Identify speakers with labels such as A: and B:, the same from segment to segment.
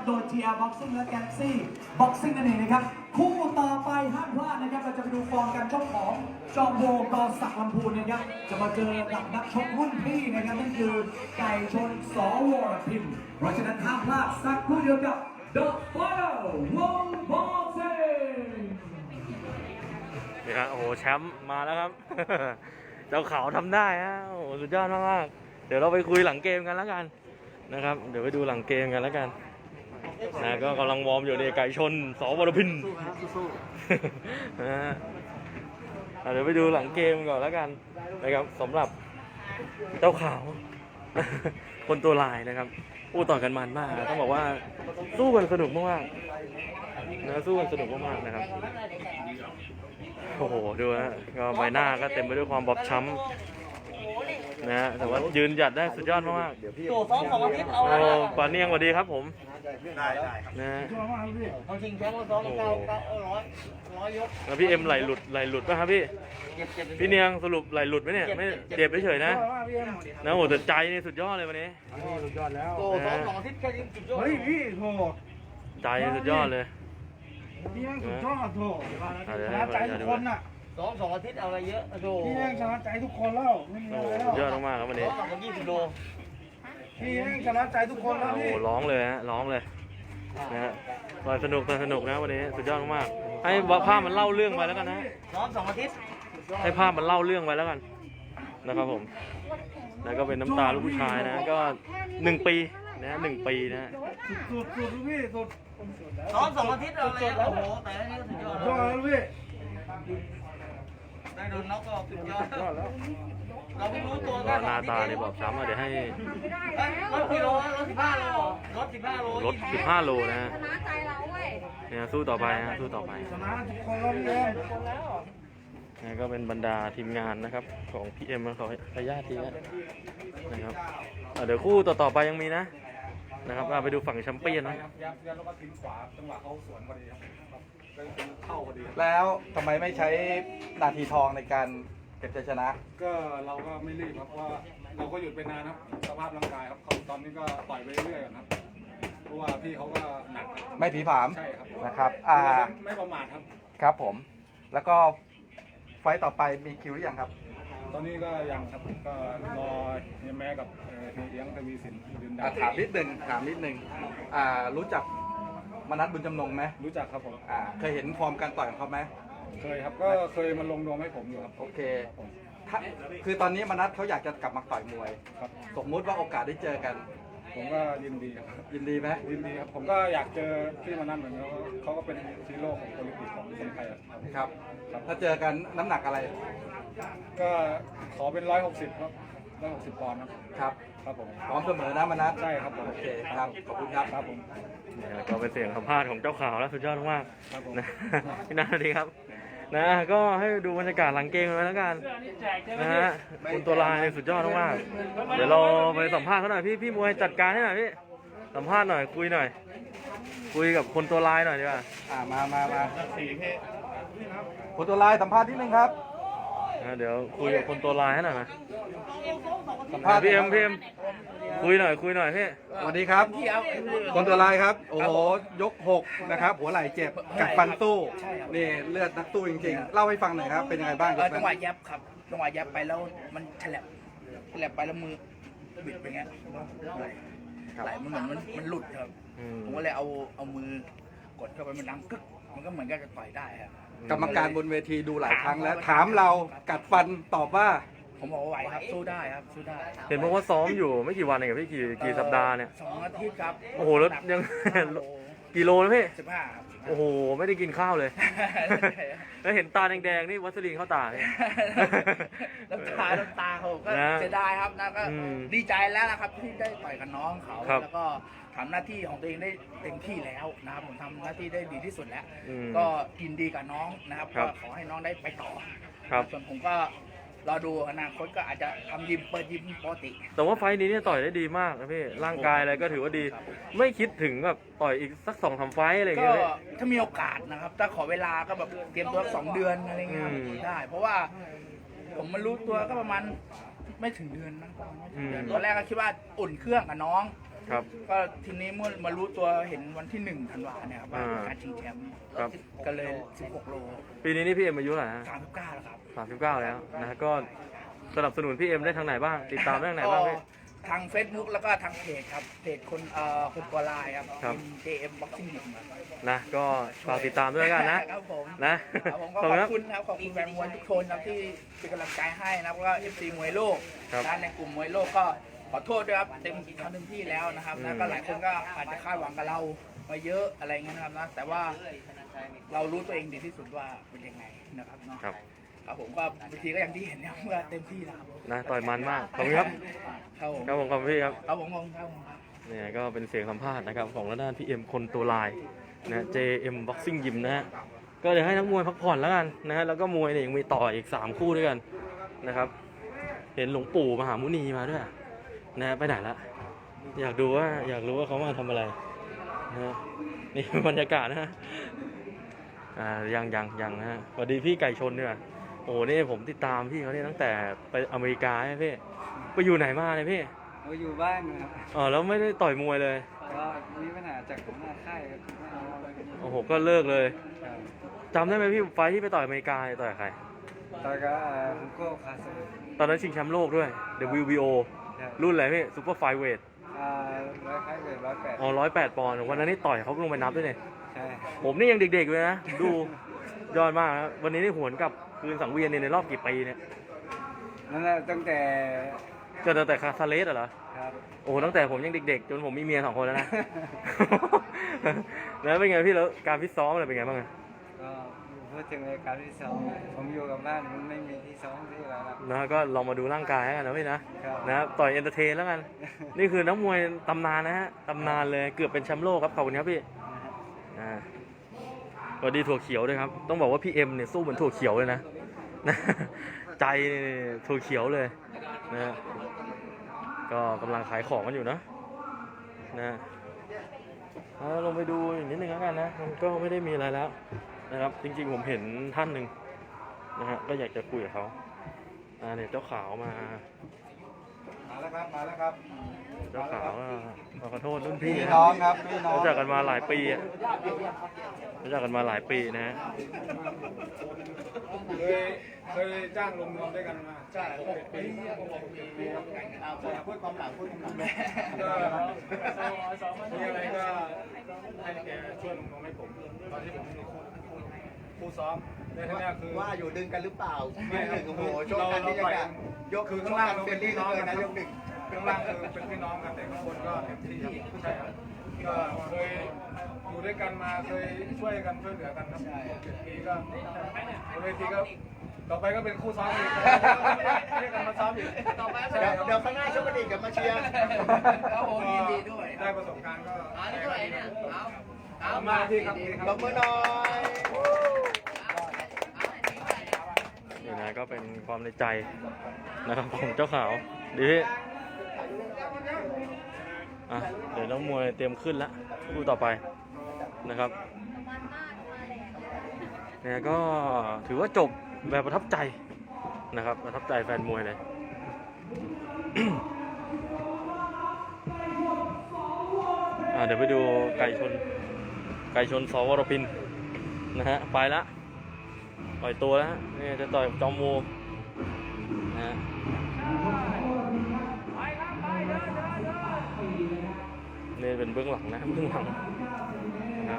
A: โดย TR Boxing และ Galaxy Boxing นั่นเองนะครับคู่ต่อไปห้ามพลาดนะครับเราจะไปดูฟอร์มการชกของจอมโบกอศักดิ์ลำพูนนะครับจะมาเจอกับนักชกรุ่นพี่นะครับนั่นคือไก่ชนสวรพิมพ์เพราะฉะนั้นห้ามพลาดสักครู่เดียวกับ The Final World Boxing
B: นี่ครับโอ้โหแชมป์มาแล้วครับ เจ้าขาวทำได้ฮะโอ้โหสุดยอดมากๆเดี๋ยวเราไปคุยหลังเกมกันแล้วกันนะครับเดี๋ยวไปดูหลังเกมกันแล้วกันนะก็กำลังวอร์มอยู่ในไก่ชนสวรพินนะฮะเดี๋ยวไปดูหลังเกมก่อนแล้วกันนะครับสำหรับเจ้าขาว คนตัวลายนะครับอู้ต่อกันมันมากต้องบอกว่าสู้กันสนุกมากๆนะสู้กันสนุกมากๆนะครับโอ้โหดูนะก็ใบหน้าก็เต็มไปด้วยความบอบช้ำนะฮะแต่ว่ายืนหยัดได้สุดยอดมากๆ
C: โซ่ซ้อม2 อาทิตย์เอา
B: โอ้
C: เลย
B: ปาเนียงสวัสดีครับผม
D: ได้ครับ
B: นะฮะ
C: เอาชิงแชมป์ซ้อม900 ยก
B: แล้วพี่เอ็มไหลหลุดป่ะครับพี่
C: เจ็บ
B: พี่เนียงสรุปไหลหลุดไหมเนี่ยไม่เจ็บเฉยๆนะนะโอ้แต่ใจนี่สุดยอดเลยวันนี้
D: สุดยอดแล้ว
C: โซ่ซ้อม2 อาทิตย์แค่นี้สุดยอด
D: เฮ้ยพี่โถ
B: ใจสุดยอดเลย
D: พี่แม่งสุดยอดโถ
B: เดี๋ยว
D: ชนะใจทุกคนน่ะ
C: ซ้อม2 อาทิตย์เอาอะไรเยอะโซ่
D: พี่แม่งชนะใจทุกคนแล้วไม่มี
B: โอ้
D: อะไร
B: สุดยอด
D: แล้ว
B: มากๆครับวันนี้
C: ซ้อม20 โล
D: พี่แม่งชนะใจทุกคนแล้ว
B: โอ้
D: พี่
B: ร้องเลยฮะร้องเลยนะฮะต่อยสนุกนะวันนี้สุดยอดมากๆให้ภาพมันเล่าเรื่องไปแล้วกันนะ
C: ซ้อม2 อาทิตย์
B: ให้ภาพมันเล่าเรื่องไปแล้วกันนะครับผมแล้วก็เป็นน้ำตาลูกผู้ชายนะก็1 ปีนะ1 ปีนะ
D: สุดพี่สุด
C: ซ้อม2 อาทิตย์เอาอะไรเยอะโอ้โหแต่ละนี้ก็สุดยอด
D: ยอดแล้วพี่
C: ได้โดนน็อกก็สุดยอด
D: ยอดแล้ว
C: เราเพิ่งรู้ตัว
B: หน้าตาเนี่ยบอบช้ำอ่ะเดี๋ยวให้
C: รถกี่โลรถ15 โลรถ15 โล
B: ลด15 โลนะฮะ
E: ชนะใจเราเว้ย
B: เนี่ยสู้ต่อไปนะสู้ต่อไป
D: ชนะทุกคนแล้วพี่แม่ง
B: นี่ก็เป็นบรรดาทีมงานนะครับของพี่เอ็มเขาพยาทีนะครับเดี๋ยวคู่ต่อไปยังมีนะครับไปดูฝั่งแชมเปี้ยนนะ
D: แล้วก็ทิ้งขวาจังหวะเขาสวนพอดีครับเข้าพอดี
F: แล้วทำไมไม่ใช้นาทีทองในการเก็บชัยชนะ
D: ก็เราก็ไม่รีบครับว่าเราก็หยุดไปนานครับสภาพร่างกายครับเขาตอนนี้ก็ต่อยไปเรื่อยๆก่อนครับเพราะว่าพี่เขาก็หนักครับ
F: ไม่ผีผาม
D: ใช่ครับ
F: นะครับ
D: ไม่ประมาทครับ
F: ครับผม แล้วก็ไฟต์ต่อไปมีคิวหรือยังครับ
D: ตอนนี้ก็ยังครับก็รอเฮียแม่กับเฮียเลี้ยงทวีสินยืนดา
F: ถามนิดนึงรู้จักมนัสบุญจำนงไหม
D: รู้จักครับผม
F: เคยเห็นฟอร์มการต่อยของเขาไหม
D: เคยครับก็เคยมาลงนวมให้ผมอยู่ครับ
F: โอเคคือตอนนี้มนัสเขาอยากจะกลับมาต่อยมวย
D: ครับ
F: สมมุติว่าโอกาสได้เจอกัน
D: ผมก็ยินดีครับ
F: ยินดีไหม
D: ยินดีครับผมก็อยากเจอพี่มานั่นเหมือนกันเขาก็เป็นฮีโร่ของโอลิมปิกของคนไทยอะครับ
F: ครับ ถ้าเจอกันน้ำหนักอะไร
D: ก็ขอเป็น160ครับ160 ปอนด์ครับ
F: ครับ
D: ครับผม
F: พร้อมเสมอนะมนัส
D: ใช่ครับผม
F: โอเคครับขอบคุณครับ
D: ครับผม
B: เนี่ยก็เป็นเสียงสัมภาษณ์ของเจ้าขาวแล้วสุดยอดมาก
D: ครับผม
B: ๆนะ พี่นาดีครับนะก็ให้ดูบรรยากาศหลังเกมกันไว้แล้วกันนะฮะคุณตัวลายสุดยอดมากๆเดี๋ยวเราไปสัมภาษณ์เขาหน่อยพี่มวยจัดการให้หน่อยพี่สัมภาษณ์หน่อยคุยหน่อยคุยกับคนตัวลายหน่อยดีกว่า
F: มาคนตัวลายสัมภาษณ์นิดนึงครับ
B: เดี๋ยวคุยกับคนตัวลายให้หน่อยนะ
F: สัมภาษณ์
B: พี่เอ็มคุยหน่อยพี่
F: สวัสดีครับ คนตัวลายครับ โอ้โห ยก 6 นะครับ หัวไหล่เจ็บ กัดฟันตู้ นี่เลือดนักตู้จริงๆ เล่าให้ฟังหน่อยครับ เป็นยังไงบ้างยก
G: จั
F: นั้
G: ง
F: น
G: หวะยับครับจังหวะยับไปแล้วมันฉลับไปแล้วมือบิดไปเงี้ยไหลมันเหมือนมันหลุดครับ ผมก็เลยเอามือกดเข้าไปมันดังกึกมันก็เหมือนกับจะต่อยได้ครับ
F: กรรมการบนเวทีดูหลายครั้งแล้ว ถามเรากัดฟันตอบว่า
G: ผมบอกว่าไหวครับสู้ได้ครับสู้ได้
B: เห็นบอกว่าซ้อมอยู่ไม่กี่วันเองกับพี่กี่สัปดาห์เนี่ย
G: 2 อาทิตย์ครับ
B: โอ้โหแล้วยัง กี่โลนะพี่
G: 15ครับ
B: โอ้โหไม่ได้กินข้าวเลย แล้วเห็นตาแดงๆนี่วัสลีนเข้าตาเนี่ย
G: น้ำตาเขาก็
B: นะ
G: เสียดายครับนะก็
B: อืม
G: ดีใจแล้วนะครับที่ได้ต่อยกับน้องเขา
B: ครับ
G: แล้วก็ทำหน้าที่ของตัวเองได้เต็มที่แล้วนะครับผมทำหน้าที่ได้ดีที่สุดแล้ว
B: อืม
G: ก็กินดีกับน้องนะครับ
B: ครั
G: ก็
B: บ
G: ขอให้น้องได้ไปต่อ
B: ครับ
G: ส่วนผมก็รอดูอนาคตก็อาจจะทำยิมเปิดยิมปกติ
B: แต่ว่าไฟล์นี้เนี่ยต่อยได้ดีมากนะพี่ร่างกายอะไรก็ถือว่าดี ไม่คิดถึงแบบต่อยอีกสัก2-3 ไฟล์อะไรอย่าง
G: ก็
B: เงี้ยพี่
G: ถ้ามีโอกาสนะครับถ้าขอเวลาก็แบบเตรียมตัว2 เดือนอะไรเงี้ยครับ
B: อืม
G: ได้ เพราะว่าผมมารู้ตัวก็ประมาณไม่ถึงเดือนนะประมาณไม่ถึงเดือน
B: อืม
G: ตอนแรกก็คิดว่าอุ่นเครื่องกับน้อง
B: ครับ
G: ก็ทีนี้เมื่อมารู้ตัวเห็นวันที่1 ธันวาเนี่ยครับว่า
B: อ่า
G: การชิงแชมป์
B: ครับ
G: ก็เลย 16 โล
B: ปีนี้นี่พี่เอ็มอายุเท่าไหร่ฮะ
G: 39แล้วครับ
B: 39 แล้วนะก็สนับสนุนพี่เอ็มได้ทางไหนบ้าง ติดตามได้ทางไหนบ้างพี่
G: ทาง Facebook แล้วก็ทางเพจครับเพจคนกอไลน์ครับ
B: ครับ
G: JM Boxing Gym
B: นะก็ฝากติดตามด้วยแล้วกันนะ
G: ครับผม
B: นะครับ
G: ผมก็
B: ขอบ
G: ข
B: คุณ
G: อบ
B: ครับ
G: คุณครับขอบคุณแฟนมวยทุกคนครับที่เป็นกำลังใจให้นะครับแล้วก็ FC มวยโลก
B: ครับ
G: นะในกลุ่มมวยโลกก็ขอโทษด้วยครับทำเต็มที่แล้วนะครับ
B: อื
G: นะ
B: ม
G: ก็หลายคนก็อาจจะคาดหวังกับเรามาเยอะอะไรเงี้ยนะครับนะแต่ว่าเรารู้ตัวเองดีที่สุดว่าเป็นยังไงนะครับเนาะ
B: ครับ
G: ครับผมก็บางทีก็อย่างที่เห็นนะครับว่าเต็มที่แล้วครับ
B: นะต่อยมันมาก ขอบคุณครับ
G: ครับผม
B: ครับผมขอบคุณพี่ครับ
G: ครับผมครับผม
B: เนี่ยก็เป็นเสียงสัมภาษณ์นะครับของระด้านพี่เอ็มคนตัวลายนะ JM Boxing Gym นะฮะก็เดี๋ยวให้นักมวยพักผ่อนแล้วกันนะฮะแล้วก็มวยเนี่ยยังมีต่ออีก3คู่ด้วยกันนะครับเห็นหลวงปู่มหามุนีมาด้วยนะฮะไปไหนละอยากรู้ว่าเขามาทำอะไรนะฮะนี่ บรรยากาศนะฮะยังนะฮะสวัสดีพี่ไก่ชนด้วยโอ้โหนี่ผมติดตามพี่เขาเนี่ยตั้งแต่ไปอเมริกาใช่ไหมพี่ไปอยู่ไหนมาเนี่ยพี่
E: เราอยู่บ้านครับ
B: อ๋อแล้วไม่ได้ต่อยมวยเลย
E: ก็มีปัญหาจากผมหน้าค่ายครับไม่เอาอะไรกัน
B: โอ้โห ก็เลิกเลย
E: ครับ
B: จำได้ไหมพี่ไฟท์ที่ไปต่อยอเมริกาต่อยกับใคร
E: ตอนก็ผมก็คาสเ
B: ตอนนั้นชิงแชมป์โลกด้วย WBO รุ่นอะไรพี่ซูเปอร์ไฟเวท
E: ร้อยค่ายเวท108
B: อ๋อ108 ปอนด์วันนั้นนี่ต่อยเขาลงไปนับด้วยเนี่ย
E: ใช่
B: ผมนี่ยังเด็กๆเลยนะ ดูยอดมากนะวันนี้นี่หวนกลับคืนสังเวียนเนี่ยในรอบกี่ปีเนี่ย
E: นั่นแหละตั้งแต่
B: ก็ตั้งแต่คาซาเลสเหรอ
E: ครับ
B: โอ้โหตั้งแต่ผมยังเด็กๆ จนผมมีเมีย2 คนแล้วนะ แล้วเป็นไงพี่แล้วการฟิตซ้อมอะไรเป็นไงบ้างอะ
E: ก็พูดถึงรายการที่ซ้อมผมอยู่กับบ้านมันไม่มีที่ซ้อมที่แล้วครับ
B: นะก็ลองมาดูร่างกายกันนะพี่นะครับ นะต่อยเอนเตอร์เทนแล้วกัน นี่คือนักมวยตำนานนะฮะตำนานเลยเกือบเป็นแชมป์โลกครับขอบคุณครับพี่สวัสดีถั่วเขียวด้วยครับต้องบอกว่าพี่เอ็มเนี่ยสู้เหมือนถั่วเขียวเลยนะ ใจนี่ถั่วเขียวเลยนะก็กำลังขายของกันอยู่นะลงไปดูอีกนิดนึงแล้วกันนะมันก็ไม่ได้มีอะไรแล้วนะครับจริงๆผมเห็นท่านหนึ่งนะฮะก็อยากจะคุยกับเขาเนี่ยเจ้าขาวมา
F: แล้วครับมาแล้วครับ
B: เจ้าขาวขอโทษรุ่นพี่
F: พี่
B: นะ
F: น้องครับพี่น้อง
B: รู้จักกันมาหลายปีอะรู้จักกันมาหลายปีนะฮะ
D: เคยจ้างลงนวมด้วยกันมา
G: ใช่6 ปีพูดความหลังพูดความหลัง
D: ก็มีอะไรก็ให้แกช่วยลงนวมให้ผมตอนที่ผมมีคู่ซ้อมในที่นี้คือ
C: ว่าอยู่ดึงกันหรือเปล่า
D: ไม่ครับ
C: โอ้โหโชคกันที่จะกันยก
D: คือข้างล่างเรา
C: เฟร
D: เป็น
C: นลี่
D: พี่
C: เหลื
D: น้
C: อ
D: อง
C: เกิ
D: กัน น
C: นะ
D: นะ
C: ยก 1
D: ข้างล่างคือเป็นพี่น้องกันแต่ข้างบนก็เต็มที่ครับใช่ครับก็เคยอยู่ด้วยกันมาเคยช่วยกันช่วยเหลือกันครับ7 ปีก็บนเวทีก็ต่อไปก็เป็นคู่ซ้อมอีกเรียกกันมาซ้อมอีกต่อไป
C: เดี๋ยวข้างหน้าชกกันอีกกับมาเชียร์
G: ครับผมยินดีด้วย
D: ได้ประสบการณ์ก็
C: นี่เท่าไหร่เนี่ยเอา
D: มาที่ครับ
C: ตบมือหน่อย
B: นี่นะก็เป็นความในใจนะครับของเจ้าขาวดีพี่เดี๋ยวนักมวยเตรียมขึ้นแล้วคู่ต่อไปนะครับเนี่ยก็ถือว่าจบแบบประทับใจนะครับประทับใจแฟนมวยเลย เดี๋ยวไปดูไก่ชนสวรพินนะฮะไปละปล่อยตัวแล้วฮะนี่จะต่อยจอมโวนะฮะนี่เป็นเบื้องหลังนะเบื้องหลังนะ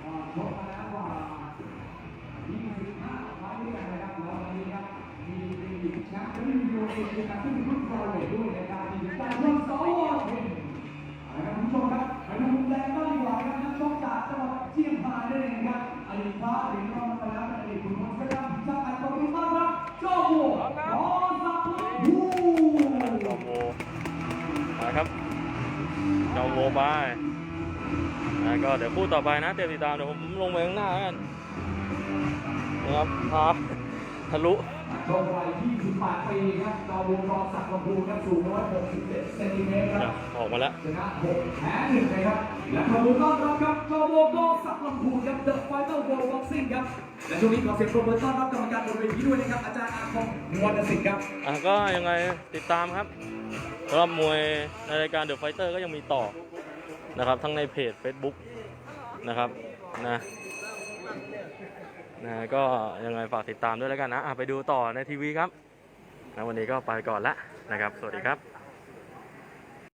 B: จอมโวนะครับจอมโวไปก็เดี๋ยวคู่ต่อไปนะเตรียมติดตามเดี๋ยวผมลงไปข้างหน้ากันนะครับทะลุ
A: โชควัย28 ปีครับจอวงกอศักดิ์ลำพูนครับสูง167 เซนติเมตรครับ
B: ออกมาแล้ว
A: ชนะ6แพ้1นะครับและขอบคุณต้อนรับครับจอวงกอศักดิ์ลำพูนครับ The Fighter World Boxing ครับและช่วงนี้ขอเสียงปรบมือต้อนรับกรรมการบนเวทีด้วยนะครับอาจารย์อาคมวรรณสิทธิ์ครับ
B: ก็ยังไงติดตามครับสำหรับมวยในรายการ The Fighter ก็ยังมีต่อนะครับ ทั้งในเพจ Facebook นะครับนะก็ยังไงฝากติดตามด้วยแล้วกันนะไปดูต่อในทีวีครับวันนี้ก็ไปก่อนละนะครับสวัสดีครับ